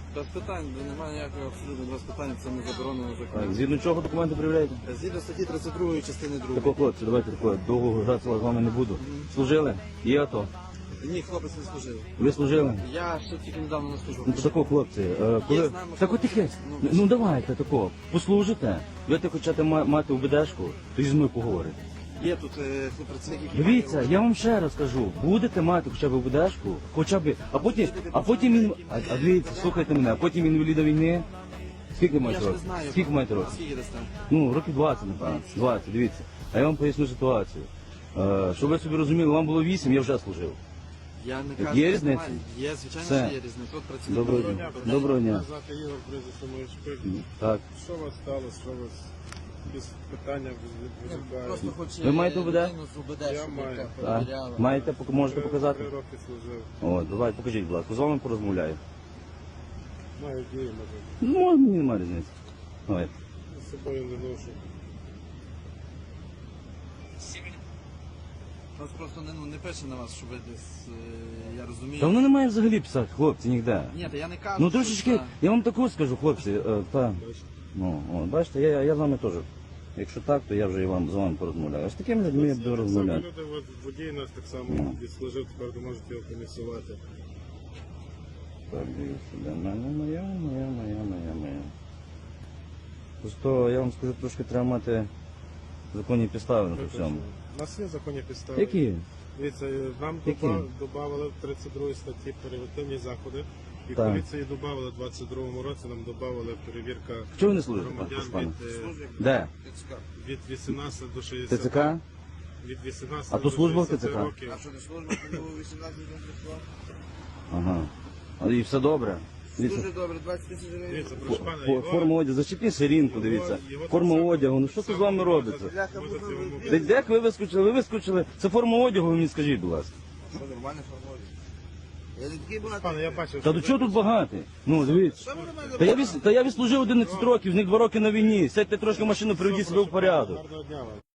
Без питань, немає ніякого абсолютно без питань, це не заборонено законом. Згідно чого документи перевіряєте? Згідно статті 32 частини 2. Такого хлопці, давайте такого, довго гратися з вами не буду. Служили? Є АТО? Ні, хлопець не служив. Ви служили? Я ще тільки недавно не служив. Ну, такого хлопці, коли... з нами Так от таке, хлопці. ну давайте такого, послужите, будете хочете мати УБДшку, то зі мною поговорите. Є тут працівники, які Дивіться, мають- я вам ще раз кажу, будете мати хоча б УБДшку, хоча б, а потім, дивіться, слухайте мене, а потім інваліда війни, скільки Я маєте ж не років? знаю. Скільки маєте років? Скільки десь там? Ну, років 20, напевно, 20, дивіться. А я вам поясню ситуацію. Щоб ви собі розуміли, вам було 8, я вже служив. Я не Є кажу, що різниця? немає. Є, звичайно, Все. що є різниця. Тут працівники. Доброго дня. Доброго дня. Звати Ігор, прізвище моє Шпик. Так. Що у вас сталося? Що у вас якісь питання виникають? Просто хоче Ви маєте УБД? людину з УБД, Я щоб маю. яка Так. перевіряла. Маєте, можете показати? 3 роки служив. О, давай, покажіть, будь ласка, з вами порозмовляю. Маю дії, може. Ну, мені немає різниці. Давай. З собою не ношу. Нас просто не пише на вас, що ви десь, я розумію. Та воно не має взагалі писати, хлопці, ніде. Ні, та я не кажу, Ну що трошечки, це- я вам таку скажу, хлопці, та, ну, о, бачите, я з вами теж. Якщо так, то я вже і з вами порозмовляю. А з такими людьми я буду Так само розмовляти. люди, от водій нас так само відслужив, тепер ви можете його комісувати. Так, дивіться, де моя. Просто я вам скажу, трошки треба мати законні підстави на це всьому. У нас є законні підстави. Які? Дивіться, нам Які? додавали в 32 статті превентивні заходи. І Так. поліції додавали в 22-му році, нам додавали перевірка Чого ви не служите, громадян пане? від, Де? від 18 до 60. ТЦК? Від 18 А то до служба в 60 ТЦК? років. А що не служба, коли ви 18 років прийшла? Ага. І все добре. Дивіться, Дуже добре, 20 тисяч гривень. Дивіться, прошу пана, його- форма одягу, зачепіть ширинку, дивіться. Форма одягу, ну що це з вами робиться? Можете йому Де як ви вискочили? Ви вискочили. Це форма одягу, ви мені скажіть, будь ласка. Що, нормально формує? Я не такий багатий. Пане, я бачив, Та до чого тут багато? Ну, дивіться. Що ви на мене Та я відслужив 11 років, з них 2 роки на війні. Сядьте трошки в машину, приведіть себе в порядок. Гарного дня вам.